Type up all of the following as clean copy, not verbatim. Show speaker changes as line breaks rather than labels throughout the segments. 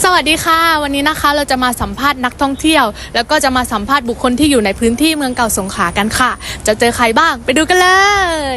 สวัสดีค่ะวันนี้นะคะเราจะมาสัมภาษณ์นักท่องเที่ยวแล้วก็จะมาสัมภาษณ์บุคคลที่อยู่ในพื้นที่เมืองเก่าสงขลากันค่ะจะเจอใครบ้างไปดูกันเลย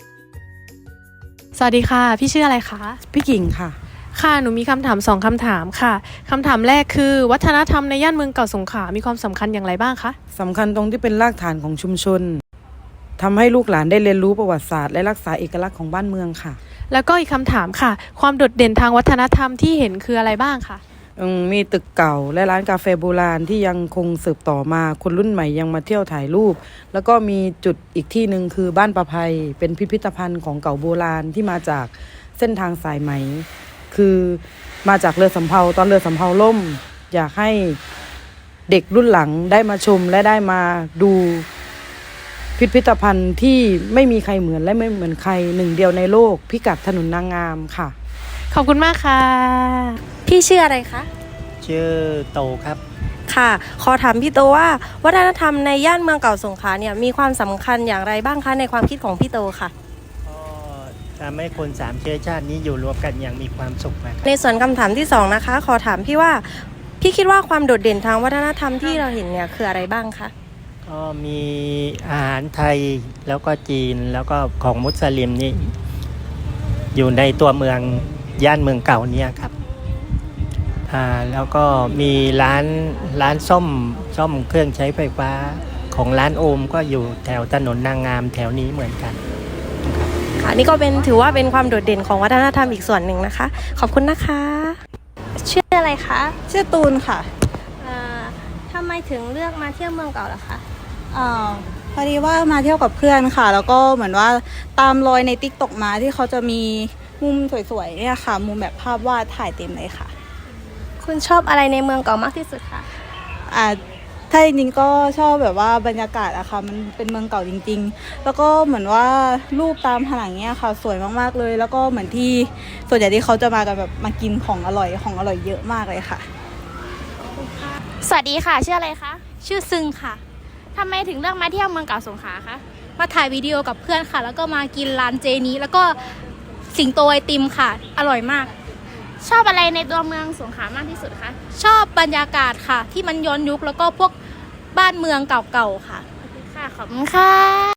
สวัสดีค่ะพี่ชื่ออะไรคะ
พี่กิ่งค่ะ
ค่ะหนูมีคำถาม2คำถามค่ะคำถามแรกคือวัฒนธรรมในย่านเมืองเก่าสงขลามีความสำคัญอย่างไรบ้างคะ
สำคัญตรงที่เป็นรากฐานของชุมชนทำให้ลูกหลานได้เรียนรู้ประวัติศาสตร์และรักษาเอกลักษณ์ของบ้านเมืองค่ะ
แล้วก็อีกคำถามค่ะความโดดเด่นทางวัฒนธรรมที่เห็นคืออะไรบ้างคะ
มีตึกเก่าและร้านกาแฟโบราณที่ยังคงสืบต่อมาคนรุ่นใหม่ยังมาเที่ยวถ่ายรูปแล้วก็มีจุดอีกที่หนึ่งคือบ้านประภัยเป็นพิพิธภัณฑ์ของเก่าโบราณที่มาจากเส้นทางสายไหมคือมาจากเรือสำเภาตอนเรือสำเภาล่มอยากให้เด็กรุ่นหลังได้มาชมและได้มาดูพิพิธภัณฑ์ที่ไม่มีใครเหมือนและไม่เหมือนใครหนึ่งเดียวในโลกพิกัดถนนนางงามค่ะ
ขอบคุณมากค่ะพี่ชื่ออะไรคะ
ชื่อโตครับ
ค่ะขอถามพี่โตว่าวัฒนธรรมในย่านเมืองเก่าสงขลาเนี่ยมีความสำคัญอย่างไรบ้างคะในความคิดของพี่โตค่ะ
ก็ทำให้คน3 เชื้อชาตินี้อยู่รวมกันอย่างมีความสุขนะครับ
ในส่วนคำถามที่2นะคะขอถามพี่ว่าพี่คิดว่าความโดดเด่นทางวัฒนธรรมที่เราเห็นเนี่ยคืออะไรบ้างคะ
ก็มีอาหารไทยแล้วก็จีนแล้วก็ของมุสลิมนี่อยู่ในตัวเมืองย่านเมืองเก่าเนี่ยครับแล้วก็มีร้านซ่อมเครื่องใช้ไฟฟ้าของร้านโอมก็อยู่แถวถนนนางงามแถวนี้เหมือนกัน
ค่ะนี่ก็ถือว่าเป็นความโดดเด่นของวัฒนธรรมอีกส่วนหนึ่งนะคะขอบคุณนะคะ
ชื่ออะไรคะ
ชื่อตูนค่ะ
ทำไมถึงเลือกมาเที่ยวเมืองเก่าล่ะคะ
พอดีว่ามาเที่ยวกับเพื่อนค่ะแล้วก็เหมือนว่าตามรอยในTikTokมาที่เขาจะมีมุมสวยๆเนี่ยค่ะมุมแบบภาพวาดถ่ายเต็มเลยค่ะ
คุณชอบอะไรในเมืองเก่ามากที่สุดคะ
ถ้าจริงๆก็ชอบแบบว่าบรรยากาศอะค่ะมันเป็นเมืองเก่าจริงๆแล้วก็เหมือนว่ารูปตามผนังเนี่ยค่ะสวยมากๆเลยแล้วก็เหมือนที่ส่วนใหญ่ที่เขาจะมากันแบบมากินของอร่อยเยอะมากเลยค่ะ
สวัสดีค่ะชื่ออะไรคะชื่อซึงค่ะทำไมถึงเลือกมาเที่ยวเมืองเก่าสงขลาคะมาถ่ายวิดีโอกับเพื่อนค่ะแล้วก็มากินร้านเจนี้แล้วก็สิงโตไอติมค่ะอร่อยมากชอบอะไรในตัวเมืองสงขลามากที่สุดคะชอบบรรยากาศค่ะที่มันย้อนยุคแล้วก็พวกบ้านเมืองเก่าๆค่ะขอบคุณค่ะ